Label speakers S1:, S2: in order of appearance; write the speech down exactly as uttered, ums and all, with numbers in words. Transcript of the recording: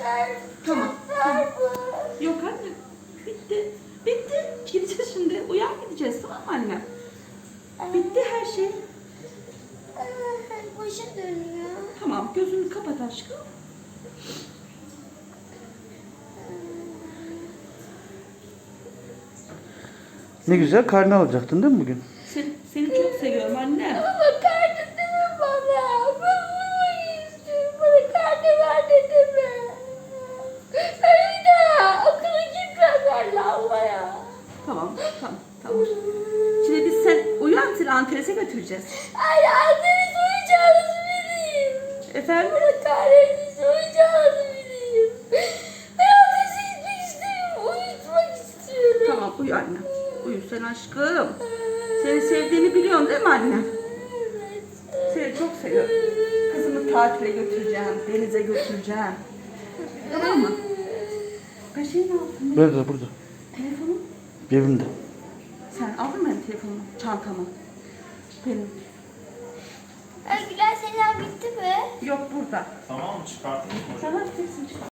S1: Tamam. Tamam. Yok anne. Bitti. Bitti. Gideceğiz şimdi. Uyan gideceğiz, tamam mı anne? Bitti her şey.
S2: Başım dönüyor.
S1: Tamam, gözünü kapat aşkım.
S3: Ne güzel karne alacaktın değil mi bugün?
S1: Seni, seni çok seviyorum anne.
S2: Baba karnı deme bana. Ben bunu istiyorum. Bana karnı ver dedi mi? Öyle okula gitmezler lambaya.
S1: Tamam, tamam, tamam. Şimdi biz sen uyan, seni Antres'e götüreceğiz.
S2: Ay anneniz uyuyacağınızı bileyim.
S1: Efendim?
S2: Bana kahretsin uyuyacağınızı bileyim. Ben ateşe gitmek istemiyorum. Uyutmak istiyorum.
S1: Tamam, uyu anne. Uyu sen aşkım. Seni sevdiğini biliyorsun değil mi anne?
S2: Evet.
S1: Seni çok seviyorum. Kızımı tatile götüreceğim, denize götüreceğim. Tamam mı? Ben şey ne yaptım?
S3: Burada burada.
S1: Telefonum.
S3: Evimde.
S1: Sen aldın mı benim telefonumu, çantamı? Benim.
S2: Ay Güler selam bitti mi?
S1: Yok burada.
S4: Tamam mı? Çıkartayım mı?
S1: Sen hadi hepsini çıkar.